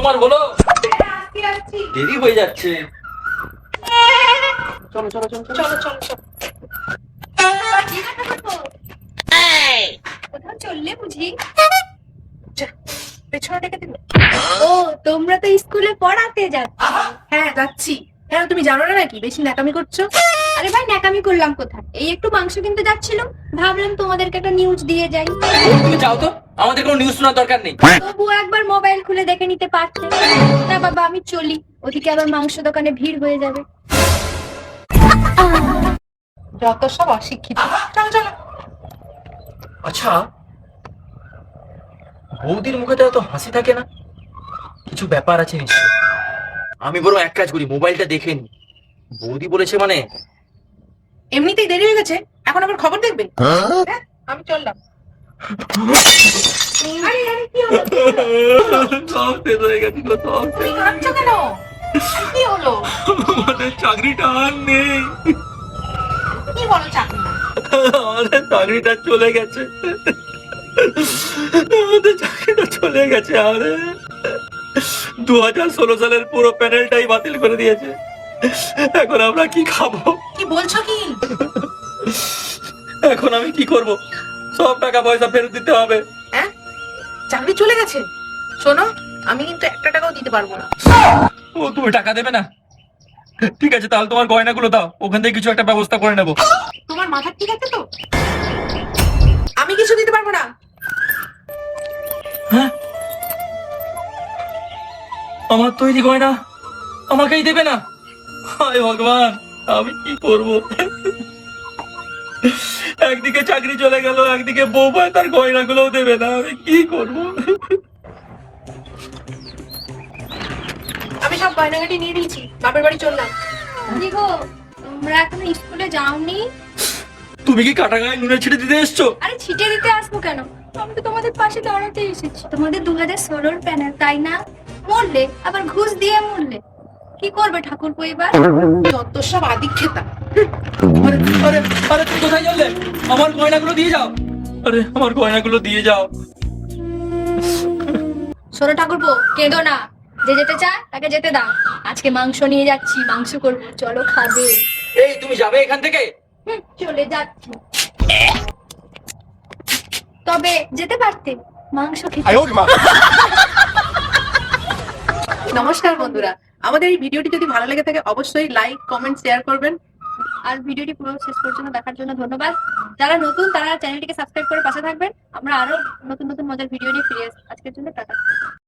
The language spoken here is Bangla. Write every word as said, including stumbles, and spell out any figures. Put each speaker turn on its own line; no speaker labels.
তোমার বলো,
আসছি আসছি।
দেরি হয়ে যাচ্ছে।
চলো চলো চলো চলো চলো চলো। কোথাও চললে বুঝি? পেছনে ডেকে দিল। ও, তোমরা তো স্কুলে পড়াতে যাচ্ছ? হ্যাঁ যাচ্ছি। হ্যাঁ তুমি জানো না নাকি বেশি ন্যাকামি করছো? আরে ভাই ন্যাকামি করলাম কোথায়? এই একটু মাংস কিনতে যাচ্ছিল, ভাবলাম তোমাদেরকে একটা নিউজ দিয়ে যাই।
ও, তুমি যাও তো, আমাদের কোনো নিউজ শোনার দরকার নেই।
তবু একবার মোবাইল খুলে দেখে নিতে পারতে। না বাবা আমি চলি, ওদিকে আবার মাংস দোকানে ভিড় হয়ে যাবে। যত সব অশিক্ষিত। চলো চলো।
আচ্ছা, বৌদির মুখে তো এত হাসি থাকে না, কিছু ব্যাপার আছে নিশ্চয়। আমি বরং এক কাজ করি, মোবাইলটা দেখে নি। বৌদি বলেছে মানে।
এমনিতেই দেরি হয়ে গেছে, এখন আবার খবর দেখবে? হ্যাঁ, আমি চললাম। আরে আরে কি হলো?
সব শেষ হয়ে গেছিল, সব
তুমি কাঁদছো কেন? আরে কি হলো?
আমাদের চাকরিটা আর নেই।
কি বলো চাকরি?
আমাদের চাকরিটা চলে গেছে, আমাদের চাকরিটা চলে গেছে। আরে দু হাজার ষোলো সালের পুরো প্যানেলটাই বাতিল করে দিয়েছে। এখন আমরা কি খাবো?
কি বলছো কি?
এখন আমি কি করব? সব টাকা পয়সা ফেরত দিতে হবে।
হ্যাঁ, চাকরি চলে গেছে? শোনো, আমি কিন্তু একটা টাকাও দিতে পারবো না।
ও, তুমি টাকা দেবে না? ঠিক আছে, তাহলে তোমার গয়নাগুলো দাও, ওখান থেকে কিছু একটা ব্যবস্থা করে নেবো।
তোমার মাথা ঠিক আছে তো? আমি কিছু দিতে পারবো না।
হ্যাঁ, আমার তৈরি গয়না আমাকেই দেবে না? হায় ভগবান, আমি কি করব? একদিকে চাকরি চলে গেল, একদিকে বউ ভাই তার গয়নাগুলোও দেবে না, আমি কি করব?
আমি সব গয়নাগাটি নিয়ে দিয়েছি, বাপের বাড়ি চললাম। কি গো, তোমরা এখনো স্কুলে যাওনি?
তুমি কি কাটা গায়ে নুনের ছিটে দিতে এসছো?
আরে ছিটে দিতে আসবো কেন, আমি তো তোমাদের পাশে দাঁড়াতে এসেছি। তোমাদের দু হাজার ষোলোর প্যানেল তাই না? মরলে, আবার ঘুষ দিয়ে মরলে। কি করবে ঠাকুরপো এবার? যত সব আদিক্ষেতা।
আরে আরে আরে, তুমি কোথায় চললে? আমার গয়নাগুলো দিয়ে যাও। আরে আমার গয়নাগুলো দিয়ে যাও।
শোনো ঠাকুরপো, কেঁদো না। যে যেতে চায় তাকে যেতে দাও। আজকে মাংস নিয়ে যাচ্ছি, মাংস করবো, চলো খাবে।
এই, তুমি যাবে এখান থেকে?
হুম, চলে যাচ্ছি। তবে যেতে পারতে, মাংস খেতে। নমস্কার বন্ধুরা, আমাদের এই ভিডিওটি যদি ভালো লেগে থাকে অবশ্যই লাইক কমেন্ট শেয়ার করবেন। আর ভিডিওটি পুরো শেষ পর্যন্ত দেখার জন্য ধন্যবাদ। যারা নতুন তারা চ্যানেলটিকে সাবস্ক্রাইব করে পাশে থাকবেন। আমরা আরো নতুন নতুন মজার ভিডিও নিয়ে ফিরে আসবো। আজকের জন্য টাটা।